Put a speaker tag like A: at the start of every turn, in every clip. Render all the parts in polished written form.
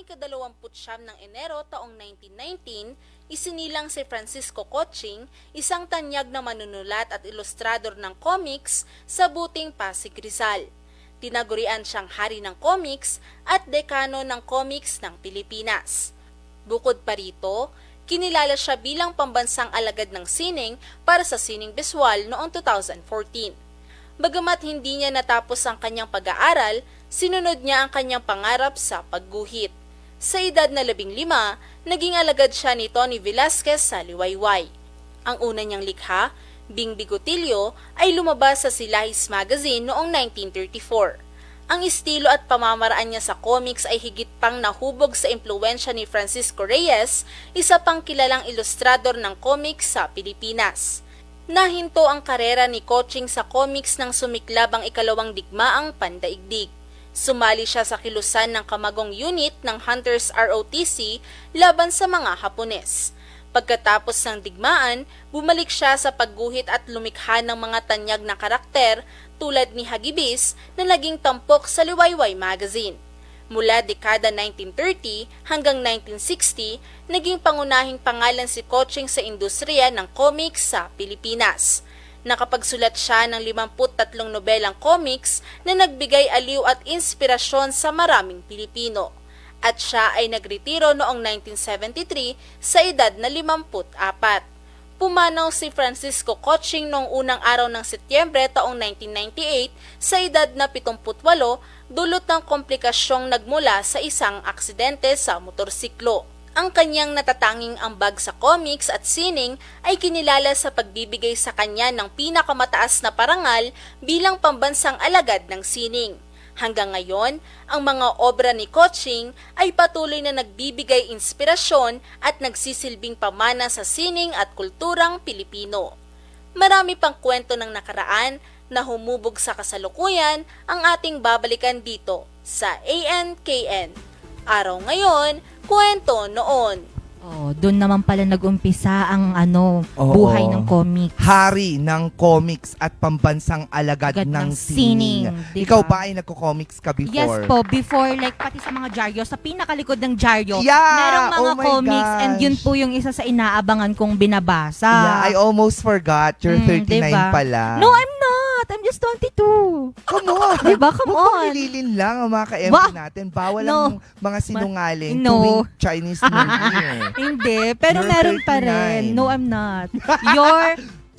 A: ika-29 ng Enero taong 1919, isinilang si Francisco Coching, isang tanyag na manunulat at ilustrador ng comics sa Buting, Pasig, Rizal. Tinagurian siyang hari ng comics at dekano ng comics ng Pilipinas. Bukod pa rito, kinilala siya bilang pambansang alagad ng sining para sa sining biswal noong 2014. Bagamat hindi niya natapos ang kanyang pag-aaral, sinunod niya ang kanyang pangarap sa pagguhit. Sa edad na 15, naging alagad siya ni Tony Velasquez sa Liwayway. Ang una niyang likha, Bing Bigotilyo, ay lumabas sa Silahis Magazine noong 1934. Ang estilo at pamamaraan niya sa comics ay higit pang nahubog sa impluwensya ni Francisco Reyes, isa pang kilalang ilustrador ng comics sa Pilipinas. Nahinto ang karera ni Coching sa comics nang sumiklab ang ikalawang digmaang pandaigdig. Sumali siya sa kilusan ng kamagong unit ng Hunters ROTC laban sa mga Hapones. Pagkatapos ng digmaan, bumalik siya sa pagguhit at lumikha ng mga tanyag na karakter tulad ni Hagibis na naging tampok sa Liwayway Magazine. Mula dekada 1930 hanggang 1960, naging pangunahing pangalan si Coching sa industriya ng comics sa Pilipinas. Nakapagsulat siya ng 53 nobelang comics na nagbigay aliw at inspirasyon sa maraming Pilipino. At siya ay nagretiro noong 1973 sa edad na 54. Pumanaw si Francisco Coching noong unang araw ng Setyembre taong 1998 sa edad na 78 dulot ng komplikasyong nagmula sa isang aksidente sa motorsiklo. Ang kanyang natatanging ambag sa comics at sining ay kinilala sa pagbibigay sa kanya ng pinakamataas na parangal bilang pambansang alagad ng sining. Hanggang ngayon, ang mga obra ni Coching ay patuloy na nagbibigay inspirasyon at nagsisilbing pamana sa sining at kulturang Pilipino. Marami pang kwento ng nakaraan na humubog sa kasalukuyan ang ating babalikan dito sa ANKN. Araw ngayon, kwento noon.
B: Oh, doon naman pala nag-umpisa ang buhay ng comics.
C: Hari ng comics at pambansang alagad ng sining.
B: Diba?
C: Ikaw ba ay nagko-comics ka before?
B: Yes po, before, like pati sa mga dyaryo, sa pinakalikod ng dyaryo,
C: Yeah!
B: merong mga
C: Oh my
B: comics and
C: gosh!
B: yun po yung isa sa inaabangan kong binabasa.
C: Yeah, I almost forgot. You're 39
B: diba?
C: pala.
B: No, I'm not. I'm just 22.
C: Come on!
B: Diba? Come
C: Huwag
B: on.
C: nililin lang ang mga ka-MD
B: Wow!
C: natin. Bawal
B: No.
C: ang mga sinungaling
B: No.
C: tuwing Chinese New Year.
B: Hindi, pero
C: You're
B: meron pa
C: 39.
B: rin. No, I'm not. You're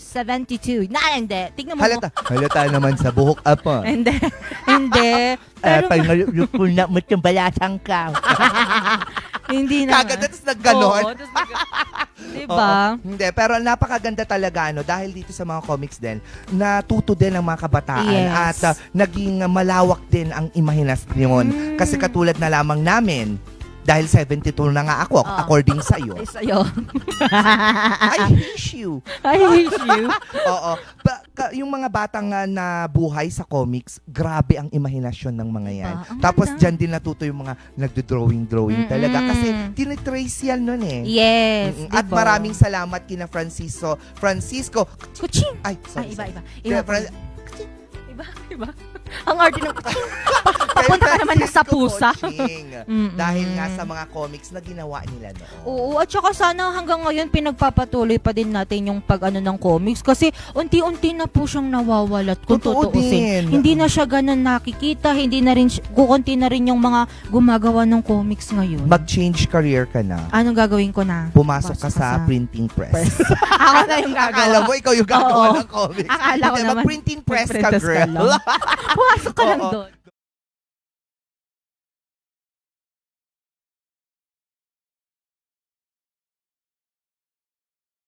B: 72. Hindi. Tignan mo.
C: Halata naman sa buhok apa.
B: Hindi. Hindi. Pero
C: na mo itong balasang ka.
B: hindi na.
C: Kagad tapos nagganon.
B: Oo, tapos diba?
C: Oo. Hindi, pero napakaganda talaga dahil dito sa mga comics din, natuto din ang mga kabataan
B: Yes.
C: at naging malawak din ang imahinasyon. Kasi katulad na lamang namin, dahil 72 na nga ako, according sa'yo.
B: Ay, sa'yo.
C: I hate you.
B: I hate you.
C: Oo. Yung mga batang na buhay sa comics, grabe ang imahinasyon ng mga yan.
B: Ang
C: Tapos
B: ganda.
C: dyan din natuto yung mga nagdo-drawing talaga. Kasi tinitrace yan nun eh.
B: Yes.
C: At
B: diba?
C: maraming salamat kina Francisco.
B: Kuching.
C: Ay, sorry.
B: Iba.
C: Fran-
B: Iba. Ang arte ng kuching. Papunta ka naman sa pusa.
C: Dahil nga sa mga comics na ginawa nila noon.
B: Oo, at saka sana hanggang ngayon pinagpapatuloy pa din natin yung ng comics kasi unti-unti na po siyang nawawalat kung
C: Totoo
B: tutuusin.
C: din.
B: Hindi na siya ganun nakikita, hindi na rin, kukunti na rin yung mga gumagawa ng comics ngayon.
C: Mag-change career ka na.
B: Anong gagawin ko na?
C: Pumasok ka sa printing press.
B: Ako na yung
C: Akala
B: gagawa.
C: mo, ikaw yung gagawa
B: Oo.
C: ng comics.
B: Akala ko
C: Hindi,
B: naman,
C: mag-printing press ka,
B: mag-press ka
C: girl.
B: lang. Pumasok ka lang
C: Oo.
B: doon.